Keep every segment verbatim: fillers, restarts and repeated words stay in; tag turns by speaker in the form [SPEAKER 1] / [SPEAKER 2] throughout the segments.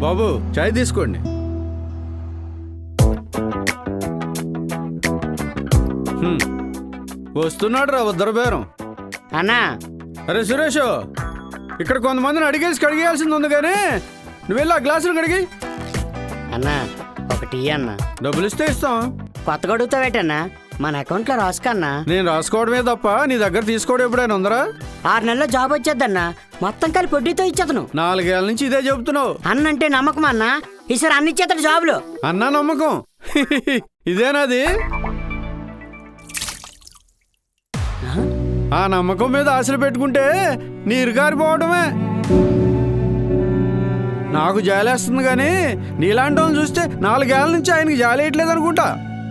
[SPEAKER 1] బాబు చాయ్ తీసుకోండి. హ్మ్. వస్తున్నాడు రా ఉద్దర బేరం.
[SPEAKER 2] అన్నా
[SPEAKER 1] అరే సురేష్, ఇక్కడ కొంతమందిని అడిగేసి కడిగేయాల్సింది ఉంది కానీ నువ్వు వెళ్ళి ఆ గ్లాసులు కడిగి.
[SPEAKER 2] అన్నా ఒకటి అన్నా.
[SPEAKER 1] డబ్బులు ఇస్తే ఇస్తాం.
[SPEAKER 2] కొత్తగా అడుగుతావేటన్నా? మన అకౌంట్లో రాసుకన్నా.
[SPEAKER 1] నేను రాసుకోవడమే తప్ప నీ దగ్గర తీసుకోవడం ఎప్పుడైనా ఉందరా?
[SPEAKER 2] ఆరు నెలల్లో జాబ్ వచ్చేద్దన్నా, మొత్తం కలిపి వడ్డీతో ఇచ్చేతను.
[SPEAKER 1] నాలుగేళ్ల నుంచి ఇదే చెబుతున్నావు.
[SPEAKER 2] అన్నంటే నమ్మకం అన్నా, ఈసారి అన్ని ఇచ్చేతడు జాబులు.
[SPEAKER 1] అన్నా నమ్మకం ఇదేనాది? ఆ నమ్మకం మీద ఆశలు పెట్టుకుంటే నీరు కారిపోవడమే. నాకు జాలేస్తుంది కానీ నీలాంటి వాళ్ళని చూస్తే నాలుగేళ్ల నుంచి ఆయనకి జాలేయట్లేదు అనుకుంటా.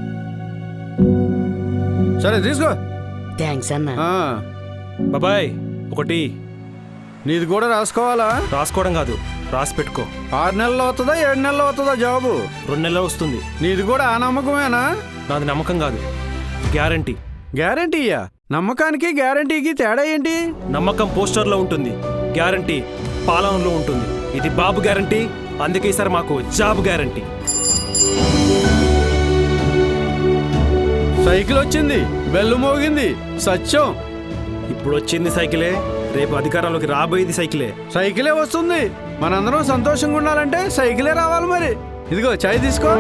[SPEAKER 1] సరే తీసుకో.
[SPEAKER 2] థ్యాంక్స్ అన్నా.
[SPEAKER 3] బాబాయ్ ఒకటి.
[SPEAKER 1] నీది కూడా రాసుకోవాలా?
[SPEAKER 3] రాసుకోవడం కాదు, రాసి పెట్టుకో.
[SPEAKER 1] ఆరు నెలలు అవుతుందా ఏడు నెలలు అవుతుందా జాబు?
[SPEAKER 3] రెండు నెలలు వస్తుంది.
[SPEAKER 1] నీది కూడా ఆ నమ్మకమేనా?
[SPEAKER 3] నాది నమ్మకం కాదు, గ్యారంటీ.
[SPEAKER 1] గ్యారంటీయా? నమ్మకానికి గ్యారంటీకి తేడా ఏంటి?
[SPEAKER 3] నమ్మకం పోస్టర్లో ఉంటుంది, గ్యారంటీ పాలనలో ఉంటుంది. ఇది బాబు గ్యారంటీ, అందుకే సార్ మాకు జాబ్ గ్యారంటీ.
[SPEAKER 1] సైకిల్ వచ్చింది, బెల్లు మోగింది, సత్యం.
[SPEAKER 3] ఇప్పుడు వచ్చింది సైకిలే, రేపు అధికారంలోకి రాబోయేది సైకిలే.
[SPEAKER 1] సైకిలే వస్తుంది. మనందరం సంతోషంగా ఉండాలంటే సైకిలే రావాలి. మరి ఇదిగో చాయ్ తీసుకో.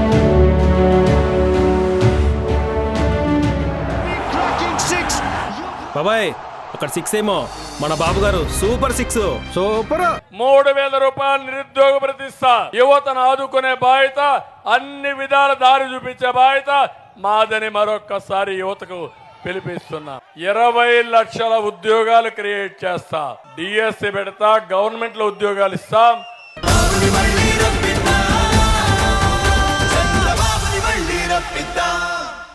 [SPEAKER 3] బాబాయ్ అక్కడ సిక్స్ ఏమో, మన బాబు గారు సూపర్ సిక్స్.
[SPEAKER 1] సూపర్.
[SPEAKER 4] మూడు వేల రూపాయలు నిరుద్యోగ ప్రతిష్ట. యువతను ఆదుకునే బాధ్యత, అన్ని విధాల దారి చూపించే బాధ్యత మాదని మరొక్కసారి యువతకు పిలిపిస్తున్నా. ఇరవై లక్షల ఉద్యోగాలు క్రియేట్ చేస్తా. డిఎస్సి పెడతా, గవర్నమెంట్ లో ఉద్యోగాలు ఇస్తాం.